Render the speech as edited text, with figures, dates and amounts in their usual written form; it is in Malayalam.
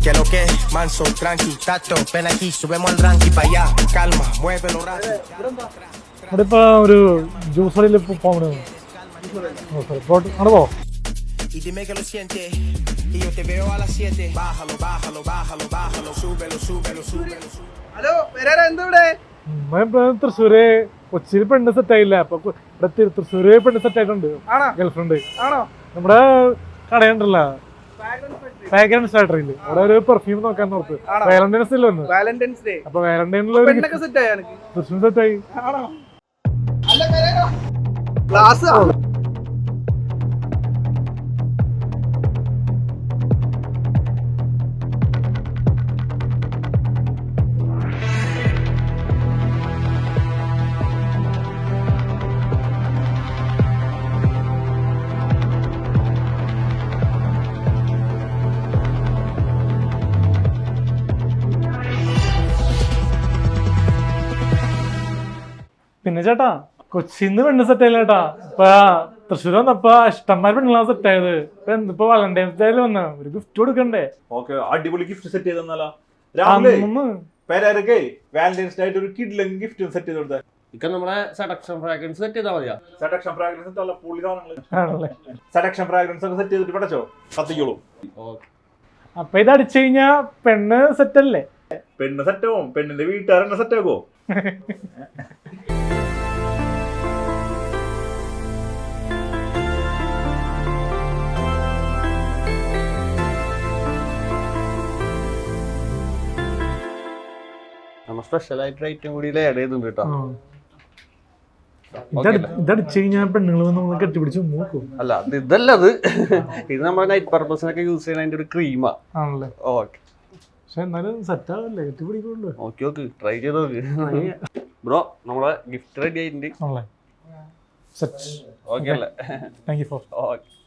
Que lo que, manso, tranqui, tato, ven aquí, subemos al ranking para allá, calma, muévelo rápido. ഇവിടെ ഇപ്പൊ ഒരു ജ്യൂസ് കടയിൽ പോകണ അവിടെ പോ. Y dime que lo sientes, y yo te veo a las 7. Bájalo, bájalo, bájalo, bájalo, súbelo, súbelo, súbelo. Hello Perera എന്താ ഇവിടെ? തൃശ്ശൂര് കൊച്ചിയിൽ പെണ്ണ് സെറ്റ് ആയില്ല, അപ്പൊ ഇവിടെ തൃശ്ശൂര് പെണ്ണ് സെറ്റ് ആയിട്ടുണ്ട്. ആണോ? ഗേൾഫ്രണ്ട് ആണോ? നമ്മുടെ കടയുണ്ടല്ലോ ഫ്രാഗ്രൻസ് ഫാക്ടറിയില് അവിടെ ഒരു പെർഫ്യൂം നോക്കാൻ നോർത്ത് വാലന്റൈൻസ് ഇല്ല വന്ന്. വാലന്റൈൻസ് ഡേ അപ്പൊ വാലന്റൈനിൽ പെണ്ണൊക്കെ സെറ്റ് ആയോ എനിക്ക്? തൃശ്ശൂർ സെറ്റ് ആയി. ആണോ? അല്ല പെരേര ക്ലാസ് പിന്നെ ചേട്ടാ കൊച്ചിന്ന് പെണ്ണ് സെറ്റ് ആയില്ല ചേട്ടാ. ഇപ്പൊ തൃശ്ശൂർ വന്നപ്പോ ഇഷ്ടംമാര് പെണ്ണുങ്ങളാ സെറ്റ് ആയത്. ഇപ്പൊ വാലന്റൈൻസ് ഡേയിൽ വന്ന ഒരു ഗിഫ്റ്റ് കൊടുക്കണ്ടേ? ഓക്കെ, അടിപൊളി ഗിഫ്റ്റ് സെറ്റ് ചെയ്തെന്നാലോ. രാഹുലേ പേരൊക്കെ വാലന്റൈൻസ് ഡേ ആയിട്ട് ഒരു കിഡ്ലൻ ഗിഫ്റ്റ് സെറ്റ് ചെയ്ത് കൊടുത്തേ. ഇക്ക നമ്മളെ സെഡക്ഷൻ ഫ്രാഗ്രൻസ് സെറ്റ് ചെയ്താൽ മതിയാ? സെഡക്ഷൻ ഫ്രാഗ്രൻസ് നല്ല പുള്ളി സാധനങ്ങള്. ആണല്ലേ? സെഡക്ഷൻ ഫ്രാഗ്രൻസ് ഒക്കെ സെറ്റ് ചെയ്തിട്ട് പടച്ചോ കത്തിക്കോളൂ. അപ്പൊ ഇത് അടിച്ചു കഴിഞ്ഞാ പെണ്ണ് സെറ്റ് അല്ലേ? പെണ്ണ് സെറ്റാവും, പെണ്ണിന്റെ വീട്ടുകാരെന്നെ സെറ്റ് ആക്കോ? നമ്മൾ സ്പെഷ്യൽ ആയിട്ട് ഐറ്റം കൂടി ആഡ് ചെയ്തിട്ടുണ്ട് കേട്ടോ. ഇതടിച്ചു കഴിഞ്ഞാൽ പെണ്ണുങ്ങൾ നമ്മൾ കെട്ടിപ്പിടിച്ച് നോക്കും. അല്ല അത് ഇതല്ല, ഇത് നമ്മുടെ നൈറ്റ് പർപ്പസിനൊക്കെ യൂസ് ചെയ്യുന്ന അതിന്റെ ഒരു ക്രീമാ. ആണല്ലേ? ഓക്കെ, പക്ഷെ എന്നാലും സെറ്റ് ആവല്ലേ, കെട്ടിപ്പിടിക്കുള്ളൂ. ഓക്കെ ഓക്കെ, ട്രൈ ചെയ്ത് നോക്ക്. ബ്രോ നമ്മളെ ഗിഫ്റ്റ് റെഡി ആയിട്ടുണ്ട്. ആണല്ലേ? സെറ്റ്. ഓക്കെ അല്ലേ? Thank you for. ഓക്കെ.